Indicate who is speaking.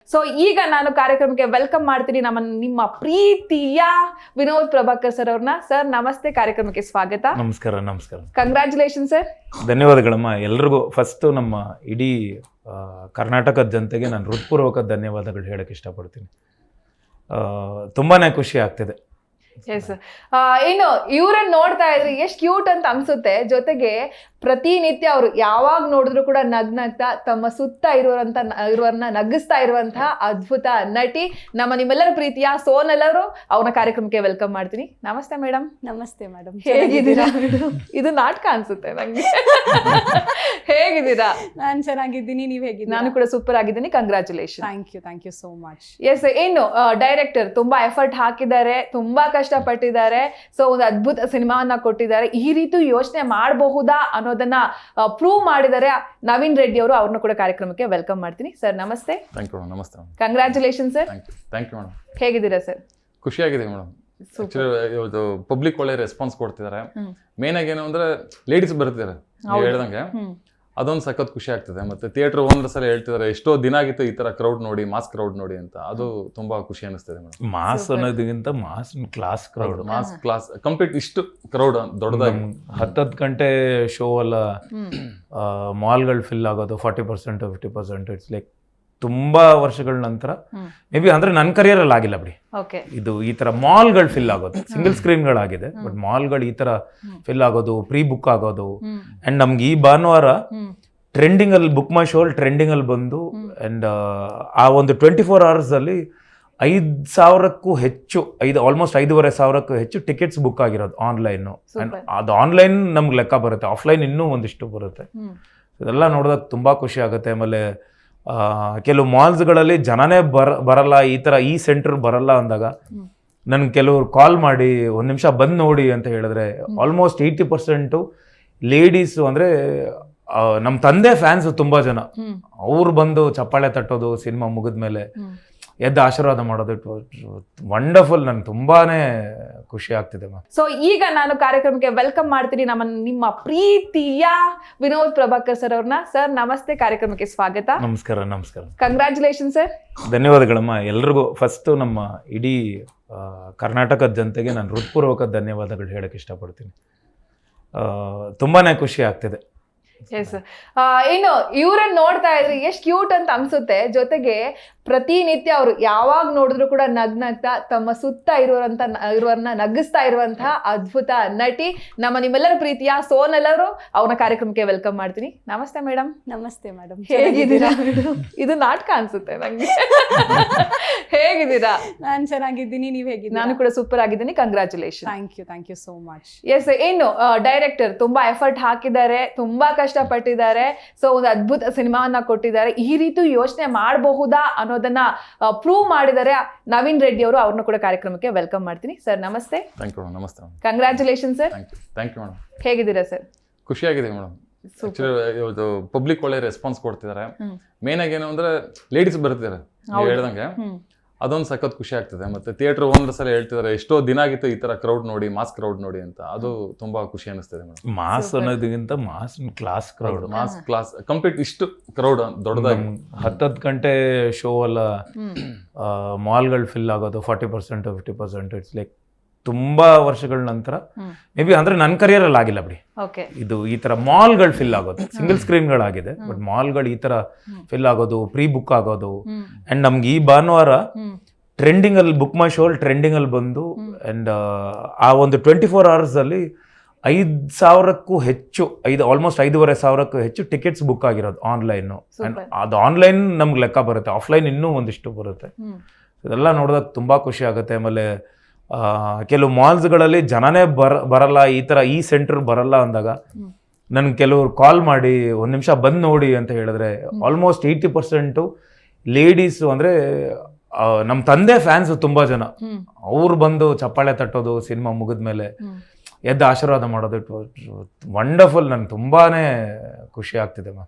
Speaker 1: So ಈಗ ನಾನು ಕಾರ್ಯಕ್ರಮಕ್ಕೆ ವೆಲ್ಕಮ್ ಮಾಡ್ತೀನಿ ನಿಮ್ಮ ಪ್ರೀತಿಯ ವಿನೋದ್ ಪ್ರಭಾಕರ್ ಸರ್ ಅವ್ರನ್ನ. ಸರ್ ನಮಸ್ತೆ, ಕಾರ್ಯಕ್ರಮಕ್ಕೆ ಸ್ವಾಗತ.
Speaker 2: ನಮಸ್ಕಾರ.
Speaker 1: Congratulation sir.
Speaker 2: ಧನ್ಯವಾದಗಳಮ್ಮ ಎಲ್ರಿಗೂ. ಫಸ್ಟ್ ನಮ್ಮ ಇಡೀ ಕರ್ನಾಟಕದ ಜನತೆಗೆ ನಾನು ಹೃತ್ಪೂರ್ವಕ ಧನ್ಯವಾದಗಳು ಹೇಳಕ್ಕೆ ಇಷ್ಟಪಡ್ತೀನಿ. ತುಂಬಾನೇ ಖುಷಿ ಆಗ್ತಿದೆ.
Speaker 1: ಎಸ್, ಏನು ಇವ್ರನ್ನ ನೋಡ್ತಾ ಇದ್ರೆ ಎಷ್ಟು ಕ್ಯೂಟ್ ಅಂತ ಅನ್ಸುತ್ತೆ. ಜೊತೆಗೆ ಪ್ರತಿನಿತ್ಯ ಅವರು ಯಾವಾಗ ನೋಡಿದ್ರು ಕೂಡ ನಗ್ನಗ್ತಾ ತಮ್ಮ ಸುತ್ತ ಇರುವವರನ್ನ ನಗಿಸ್ತಾ ಇರುವಂತಹ ಅದ್ಭುತ ನಟಿ ನಿಮ್ಮೆಲ್ಲರ ಪ್ರೀತಿಯ ಸೋನಲ್ ಅವರು. ಅವ್ರನ್ನ ಕಾರ್ಯಕ್ರಮಕ್ಕೆ ವೆಲ್ಕಮ್ ಮಾಡ್ತೀನಿ. ನಮಸ್ತೆ ಮೇಡಮ್.
Speaker 3: ನಮಸ್ತೆ ಮೇಡಮ್.
Speaker 1: ಹೇಗಿದ್ದೀರಾ? ಇದು ನಾಟಕ ಅನ್ಸುತ್ತೆ ನಂಗೆ. ಹೇಗಿದ್ದೀರಾ?
Speaker 3: ನಾನು ಚೆನ್ನಾಗಿದ್ದೀನಿ, ನೀವು ಹೇಗಿದ್ದೀರಾ?
Speaker 1: ನಾನು ಕೂಡ ಸೂಪರ್ ಆಗಿದ್ದೀನಿ. Congratulation.
Speaker 3: Thank you so much.
Speaker 1: Yes, ಏನು ಡೈರೆಕ್ಟರ್ ತುಂಬಾ ಎಫರ್ಟ್ ಹಾಕಿದ್ದಾರೆ, ತುಂಬಾ ಕಷ್ಟಪಟ್ಟಿದ್ದಾರೆ. ಸೊ ಒಂದು ಅದ್ಭುತ ಸಿನಿಮಾವನ್ನ ಕೊಟ್ಟಿದ್ದಾರೆ. ಈ ರೀತಿ ಯೋಚನೆ ಮಾಡಬಹುದಾ ಅನ್ನೋದನ್ನ ಪ್ರೂವ್ ಮಾಡಿದ್ದಾರೆ ನವೀನ್ ರೆಡ್ಡಿ ಅವರು. ಅವ್ರನ್ನ ಕೂಡ ಕಾರ್ಯಕ್ರಮಕ್ಕೆ ವೆಲ್ಕಮ್ ಮಾಡ್ತೀನಿ. ಸರ್ ನಮಸ್ತೆ.
Speaker 4: ನಮಸ್ತೆ.
Speaker 1: Congratulation sir.
Speaker 4: Thank you madam.
Speaker 1: ಹೇಗಿದ್ದೀರಾ ಸರ್?
Speaker 4: ಖುಷಿಯಾಗಿದೆ ಮೇಡಮ್. ಇವತ್ತು ಪಬ್ಲಿಕ್ ಒಳ್ಳೆ ರೆಸ್ಪಾನ್ಸ್ ಕೊಡ್ತಿದ್ದಾರೆ. ಮೇನ್ ಆಗಿ ಏನು ಅಂದ್ರೆ ಲೇಡೀಸ್ ಬರ್ತಿದ್ದಾರೆ, ನೀವು ಹೇಳ್ದಂಗೆ ಅದೊಂದು ಸಖತ್ ಖುಷಿ ಆಗ್ತದೆ. ಮತ್ತೆ ಥಿಯೇಟರ್ ಓನರ್ ಸಲ ಹೇಳ್ತಿದ್ದಾರೆ ಎಷ್ಟೋ ದಿನ ಆಗಿತ್ತು ಈ ತರ ಕ್ರೌಡ್ ನೋಡಿ, ಮಾಸ್ ಕ್ರೌಡ್ ನೋಡಿ ಅಂತ. ಅದು ತುಂಬಾ ಖುಷಿ ಅನಿಸ್ತದೆ ಮೇಡಮ್.
Speaker 2: ಮಾಸ್ ಅನ್ನೋದಕ್ಕಿಂತ mass class crowd,
Speaker 4: mass class complete ಇಷ್ಟು ಕ್ರೌಡ್ ದೊಡ್ಡದಾಗಿ
Speaker 2: 10 ಗಂಟೆ ಶೋ ಎಲ್ಲ ಮಾಲ್ಗಳು ಫಿಲ್ ಆಗೋದು 40% 50%. ಇಟ್ಸ್ ಲೈಕ್ ತುಂಬಾ ವರ್ಷಗಳ ನಂತರ ಮೇ ಬಿ ಅಂದ್ರೆ ನನ್ನ ಕರಿಯರಲ್ಲಿ ಆಗಿಲ್ಲ ಬಿಡಿ ಇದು. ಈ ತರ ಮಾಲ್ಗಳು ಫಿಲ್ ಆಗೋದು, ಸಿಂಗಲ್ ಸ್ಕ್ರೀನ್ಗಳಾಗಿದೆ, ಬಟ್ ಮಾಲ್ಗಳು ಈ ತರ ಫಿಲ್ ಆಗೋದು, ಪ್ರೀ ಬುಕ್ ಆಗೋದು. ಅಂಡ್ ನಮ್ಗೆ ಈ ಭಾನುವಾರ ಟ್ರೆಂಡಿಂಗ್ ಅಲ್ಲಿ ಬುಕ್ ಮೈ ಶೋ ಟ್ರೆಂಡಿಂಗ್ ಅಲ್ಲಿ ಬಂದು ಅಂಡ್ ಆ ಒಂದು 24 hours ಅಲ್ಲಿ 5,000ಕ್ಕೂ ಹೆಚ್ಚು, ಆಲ್ಮೋಸ್ಟ್ 5,500ಕ್ಕೂ ಹೆಚ್ಚು ಟಿಕೆಟ್ಸ್ ಬುಕ್ ಆಗಿರೋದು ಆನ್ಲೈನ್. ಅದು ಆನ್ಲೈನ್ ನಮ್ಗೆ ಲೆಕ್ಕ ಬರುತ್ತೆ, ಆಫ್ಲೈನ್ ಇನ್ನೂ ಒಂದಿಷ್ಟು ಬರುತ್ತೆ. ಇದೆಲ್ಲ ನೋಡಿದಾಗ ತುಂಬಾ ಖುಷಿ ಆಗುತ್ತೆ. ಆಮೇಲೆ ಕೆಲವು ಮಾಲ್ಸ್ಗಳಲ್ಲಿ ಜನನೇ ಬರಲ್ಲ, ಈ ಸೆಂಟರ್ ಬರಲ್ಲ ಅಂದಾಗ ನನ್ಗೆ ಕೆಲವರು ಕಾಲ್ ಮಾಡಿ 1 ನಿಮಿಷ ಬಂದು ನೋಡಿ ಅಂತ ಹೇಳಿದ್ರೆ ಆಲ್ಮೋಸ್ಟ್ 80% ಲೇಡೀಸು, ಅಂದರೆ ನಮ್ಮ ತಂದೆ ಫ್ಯಾನ್ಸ್ ತುಂಬ ಜನ. ಅವ್ರು ಬಂದು ಚಪ್ಪಾಳೆ ತಟ್ಟೋದು, ಸಿನಿಮಾ ಮುಗಿದ್ಮೇಲೆ ಎದ್ದು ಆಶೀರ್ವಾದ ಮಾಡೋದು, ಇಟ್ ವಂಡರ್ಫುಲ್. ನನ್ಗೆ ತುಂಬಾನೇ ಖುಷಿ ಆಗ್ತಿದೆ.
Speaker 1: ಸೊ ಈಗ ನಾನು ಕಾರ್ಯಕ್ರಮಕ್ಕೆ ವೆಲ್ಕಮ್ ಮಾಡ್ತೀನಿ ನಿಮ್ಮ ಪ್ರೀತಿಯ ವಿನೋದ್ ಪ್ರಭಾಕರ್ ಸರ್ ಅವ್ರನ್ನ. ಸರ್ ನಮಸ್ತೆ, ಕಾರ್ಯಕ್ರಮಕ್ಕೆ ಸ್ವಾಗತ.
Speaker 2: ನಮಸ್ಕಾರ.
Speaker 1: Congratulation sir.
Speaker 2: ಧನ್ಯವಾದಗಳಮ್ಮ ಎಲ್ರಿಗೂ. ಫಸ್ಟ್ ನಮ್ಮ ಇಡೀ ಕರ್ನಾಟಕದ ಜನತೆಗೆ ನಾನು ಹೃತ್ಪೂರ್ವಕ ಧನ್ಯವಾದಗಳು ಹೇಳಕ್ಕೆ ಇಷ್ಟಪಡ್ತೀನಿ. ತುಂಬಾನೇ ಖುಷಿ ಆಗ್ತಿದೆ.
Speaker 1: ಎಸ್, ಏನು ಇವ್ರನ್ನ ನೋಡ್ತಾ ಇದ್ರೆ ಎಷ್ಟು ಕ್ಯೂಟ್ ಅಂತ ಅನ್ಸುತ್ತೆ. ಜೊತೆಗೆ ಪ್ರತಿನಿತ್ಯ ಅವರು ಯಾವಾಗ ನೋಡಿದ್ರು ಕೂಡ ನಗ್ನಗ್ತಾ ತಮ್ಮ ಸುತ್ತ ಇರುವವರನ್ನ ನಗಿಸ್ತಾ ಇರುವಂತಹ ಅದ್ಭುತ ನಟಿ ನಿಮ್ಮೆಲ್ಲರ ಪ್ರೀತಿಯ ಸೋನಲ್ ಅವರು. ಅವ್ರನ್ನ ಕಾರ್ಯಕ್ರಮಕ್ಕೆ ವೆಲ್ಕಮ್ ಮಾಡ್ತೀನಿ. ನಮಸ್ತೆ ಮೇಡಮ್.
Speaker 3: ನಮಸ್ತೆ ಮೇಡಮ್.
Speaker 1: ಹೇಗಿದ್ದೀರಾ? ಇದು ನಾಟಕ ಅನ್ಸುತ್ತೆ ನಂಗೆ. ಹೇಗಿದ್ದೀರಾ?
Speaker 3: ನಾನು ಚೆನ್ನಾಗಿದ್ದೀನಿ, ನೀವು ಹೇಗಿದ್ದೀರಾ?
Speaker 1: ನಾನು ಕೂಡ ಸೂಪರ್ ಆಗಿದ್ದೀನಿ. Congratulation.
Speaker 3: Thank you so much.
Speaker 1: Yes, ಏನು ಡೈರೆಕ್ಟರ್ ತುಂಬಾ ಎಫರ್ಟ್ ಹಾಕಿದ್ದಾರೆ, ತುಂಬಾ ಕಷ್ಟಪಟ್ಟಿದ್ದಾರೆ. ಸೊ ಒಂದು ಅದ್ಭುತ ಸಿನಿಮಾವನ್ನ ಕೊಟ್ಟಿದ್ದಾರೆ. ಈ ರೀತಿ ಯೋಚನೆ ಮಾಡಬಹುದಾ ಅನ್ನೋದನ್ನ ಪ್ರೂವ್ ಮಾಡಿದ್ದಾರೆ ನವೀನ್ ರೆಡ್ಡಿ ಅವರು. ಅವ್ರನ್ನ ಕೂಡ ಕಾರ್ಯಕ್ರಮಕ್ಕೆ ವೆಲ್ಕಮ್ ಮಾಡ್ತೀನಿ. ಸರ್ ನಮಸ್ತೆ.
Speaker 4: ನಮಸ್ತೆ.
Speaker 1: Congratulation sir.
Speaker 4: Thank you madam.
Speaker 1: ಹೇಗಿದ್ದೀರಾ ಸರ್?
Speaker 4: ಖುಷಿಯಾಗಿದೆ ಮೇಡಮ್. ಇವತ್ತು ಪಬ್ಲಿಕ್ ಒಳ್ಳೆ ರೆಸ್ಪಾನ್ಸ್ ಕೊಡ್ತಿದ್ದಾರೆ. ಮೇನ್ ಆಗಿ ಏನು ಅಂದ್ರೆ ಲೇಡೀಸ್ ಬರ್ತಿದ್ದಾರೆ, ನೀವು ಹೇಳ್ದಂಗೆ ಅದೊಂದು ಸಖತ್ ಖುಷಿ ಆಗ್ತದೆ. ಮತ್ತೆ ಥಿಯೇಟರ್ ಓನರ್ ಸಲ ಹೇಳ್ತಿದ್ದಾರೆ ಎಷ್ಟೋ ದಿನ ಆಗಿತ್ತು ಈ ತರ ಕ್ರೌಡ್ ನೋಡಿ, ಮಾಸ್ ಕ್ರೌಡ್ ನೋಡಿ ಅಂತ. ಅದು ತುಂಬಾ ಖುಷಿ ಅನಿಸ್ತದೆ ಮೇಡಮ್.
Speaker 2: ಮಾಸ್ ಅನ್ನೋದಕ್ಕಿಂತ mass class crowd,
Speaker 4: mass class complete ಇಷ್ಟು ಕ್ರೌಡ್ ದೊಡ್ಡದಾಗಿ
Speaker 2: 10 ಗಂಟೆ ಶೋ ಎಲ್ಲ ಮಾಲ್ಗಳು ಫಿಲ್ ಆಗೋದು 40% 50%. ಇಟ್ಸ್ ಲೈಕ್ ತುಂಬಾ ವರ್ಷಗಳ ನಂತರ ಮೇ ಬಿ ಅಂದ್ರೆ ನನ್ನ ಕರಿಯರಲ್ಲಿ ಆಗಿಲ್ಲ ಬಿಡಿ ಇದು. ಈ ತರ ಮಾಲ್ಗಳು ಫಿಲ್ ಆಗೋದು, ಸಿಂಗಲ್ ಸ್ಕ್ರೀನ್ಗಳಾಗಿದೆ, ಬಟ್ ಮಾಲ್ಗಳು ಈ ತರ ಫಿಲ್ ಆಗೋದು, ಪ್ರೀ ಬುಕ್ ಆಗೋದು. ಅಂಡ್ ನಮ್ಗೆ ಈ ಭಾನುವಾರ ಟ್ರೆಂಡಿಂಗ್ ಅಲ್ಲಿ ಬುಕ್ ಮೈ ಶೋ ಟ್ರೆಂಡಿಂಗ್ ಅಲ್ಲಿ ಬಂದು ಅಂಡ್ ಆ ಒಂದು 24 hours ಅಲ್ಲಿ 5,000ಕ್ಕೂ ಹೆಚ್ಚು, ಆಲ್ಮೋಸ್ಟ್ 5,500ಕ್ಕೂ ಹೆಚ್ಚು ಟಿಕೆಟ್ಸ್ ಬುಕ್ ಆಗಿರೋದು ಆನ್ಲೈನ್. ಅದು ಆನ್ಲೈನ್ ನಮ್ಗೆ ಲೆಕ್ಕ ಬರುತ್ತೆ, ಆಫ್ಲೈನ್ ಇನ್ನೂ ಒಂದಿಷ್ಟು ಬರುತ್ತೆ. ಇದೆಲ್ಲ ನೋಡಿದಾಗ ತುಂಬಾ ಖುಷಿ ಆಗುತ್ತೆ. ಆಮೇಲೆ ಕೆಲವು ಮಾಲ್ಸ್ಗಳಲ್ಲಿ ಜನನೇ ಬರಲ್ಲ, ಈ ಸೆಂಟರ್ ಬರಲ್ಲ ಅಂದಾಗ ನನ್ಗೆ ಕೆಲವರು ಕಾಲ್ ಮಾಡಿ 1 ನಿಮಿಷ ಬಂದು ನೋಡಿ ಅಂತ ಹೇಳಿದ್ರೆ ಆಲ್ಮೋಸ್ಟ್ 80% ಲೇಡೀಸು, ಅಂದರೆ ನಮ್ಮ ತಂದೆ ಫ್ಯಾನ್ಸ್ ತುಂಬ ಜನ. ಅವ್ರು ಬಂದು ಚಪ್ಪಾಳೆ ತಟ್ಟೋದು, ಸಿನಿಮಾ ಮುಗಿದ್ಮೇಲೆ ಎದ್ದು ಆಶೀರ್ವಾದ ಮಾಡೋದು, ಇಟ್ ವಂಡರ್ಫುಲ್. ನನ್ಗೆ ತುಂಬಾನೇ ಖುಷಿ ಆಗ್ತಿದೆ.